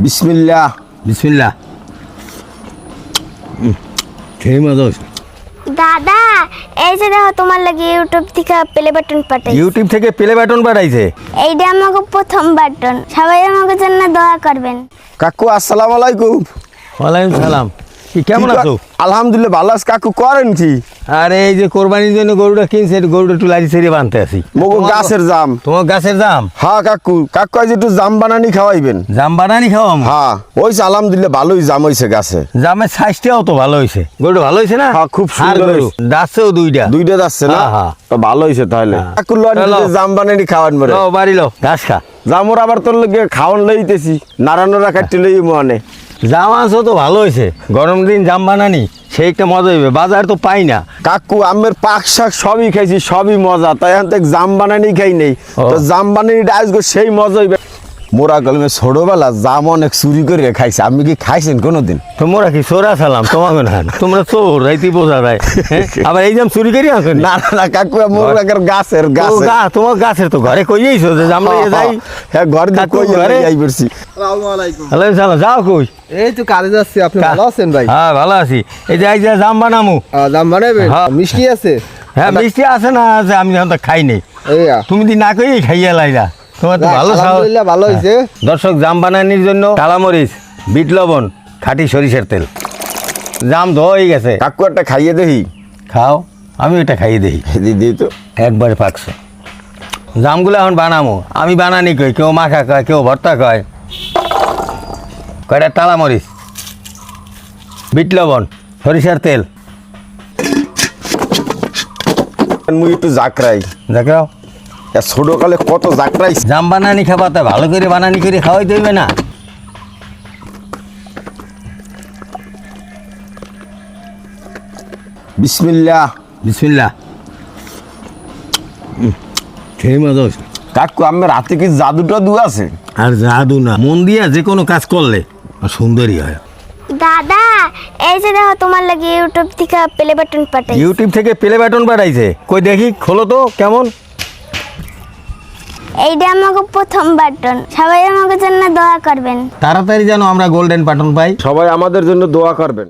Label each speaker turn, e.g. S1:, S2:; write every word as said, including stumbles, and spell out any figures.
S1: বিসমিল্লাহ
S2: বিসমিল্লাহ। খেয়ে মজা হয়েছে।
S3: দাদা এই যে দেখো তোমার লাগে ইউটিউব থেকে প্লে বাটন পাঠাই।
S2: ইউটিউব থেকে প্লে বাটন পাঠাইছে।
S3: এইটা আমাকে প্রথম বাটন, সবাই আমাকে জন্য দোয়া করবেন।
S1: কাকু আসসালামু আলাইকুম।
S2: ওয়ালাইকুম সালাম। কি কেমন
S1: কি ক-
S2: আছো?
S1: আলহামদুলিল্লাহ ভালো আছি। কাকু করেন কি?
S2: আরে এই যে কোরবানির জন্য গরুটা কিনছে, গরুটা একটু লাজি ছেড়ে বানতে আছি।
S1: মগো গাছের জাম।
S2: তোমার গাছের জাম?
S1: হ্যাঁ কাকু, কাকু আজ একটু জাম বানানি খাওয়াইবেন।
S2: জাম বানানি খাওয়াম?
S1: হ্যাঁ ওইছে আলহামদুলিল্লাহ ভালোই জাম হয়েছে গাছে।
S2: জামের সাইজটাও তো ভালো হয়েছে, গরুটা ভালো হয়েছে না?
S1: হ্যাঁ, খুব
S2: আর
S1: সুন্দর
S2: গরু
S1: হয়েছে।
S2: দাঁতছেও দুইটা।
S1: দুইটা যাচ্ছে না?
S2: হ্যাঁ, হ্যাঁ।
S1: তো ভালো হয়েছে তাহলে।
S2: হ্যাঁ।
S1: কাকু লন
S2: চলো।
S1: জাম বানানি খাওয়ান মরে।
S2: লো বাড়ি লো, ঘাস খা।
S1: জামর আবার তোর লগে খাওয়ান লইতেছি, নারায়ণরা কাটতে লই মনে।
S2: জাম আনছো তো ভালো হয়েছে, গরম দিন জাম বানানি সেই একটা মজা হইবে, বাজার তো পাই না।
S1: কাকু আমের পাক শাক সবই খাইছি, সবই মজা, তাই এখন থেকে জাম বানানি খাই নেই।
S2: ও।
S1: তো জাম বানানিটা আজকে সেই মজা হইবে। মোরা গলমে ছোটবেলা জাম অনেক চুরি করে খাইছে, আমি কি খাইছেন কোনোদিন?
S2: তোমরা কি চোরা সালাম তোমাকে না, তোমরা চোর রাইতি বোঝা যায়। হ্যাঁ? আবার এই জাম চুরি করি আসো
S1: না না না কাকু, মোরা গাছের গাছ।
S2: তোমার গাছের তো ঘরে কইয়েছো যে জাম লইয়ে যাই।
S1: হ্যাঁ ঘর দিয়ে
S2: কাকু
S1: কই
S2: ঘরে?
S1: যাই পড়ছি।
S2: আলাইকুম সালাম। যাও কই?
S4: এই তো কাজে যাচ্ছি। আপনি ভালো আছেন ভাই?
S2: হ্যাঁ ভালো আছি। এই যে এই যে জাম বানামু।
S4: আহ, জাম বানাবেন?
S2: হ্যাঁ।
S4: মিষ্টি আছে?
S2: হ্যাঁ মিষ্টি আছে না আছে, আমি এখন তো খাই নেই।
S4: এই আ।
S2: তুমি দি না কই খাইয়া লাইলা, তোমার তো
S4: যাক,
S2: ভালো সাহস।
S4: আলহামদুলিল্লাহ ভালো হয়েছে।
S2: দর্শক জাম বানানির জন্য কালামরিচ, বিট লবণ, খাঁটি সরিষার তেল। জাম ধোয়া গেছে,
S1: কাকু একটা খাইয়ে দেখি।
S2: খাও, আমি এটা খাইয়ে দেই।
S1: দিদি তো
S2: একবারে পাকছে। জামগুলো এখন বানামো, আমি বানানি কই, কেউ মাখা কয়, কেউ ভর্তা কয়। কয়টা টালা মরিচ, বিট লবণ, সরিষার তেল।
S1: মুই একটু জাকরাই।
S2: দেখাও,
S1: ছোটকালে কত জাকরাই।
S2: জাম বানানি খাবা, তা ভালো করে বানানি করে খাওয়াই দেবে না।
S1: বিসমিল্লাহ।
S2: বিসমিল্লাহ। খেয়ে মজা হয়েছে।
S1: কাকু আমার রাতে কি জাদু টাদু আছে?
S2: আর জাদু না, মন দিয়া যে কোনো কাজ করলে সুন্দরই হয়।
S3: দাদা এই যে দেখো তোমার লাগে ইউটিউব থেকে প্লে বাটন পাঠাই।
S2: ইউটিউব থেকে প্লে বাটন পাঠাইছে, কই দেখি, খোলো তো কেমন।
S3: এইটা আমাকে প্রথম বাটন, সবাই আমাকে জন্য দোয়া করবেন।
S2: তাড়াতাড়ি যেন আমরা গোল্ডেন বাটন পাই।
S1: সবাই আমাদের জন্য দোয়া করবেন।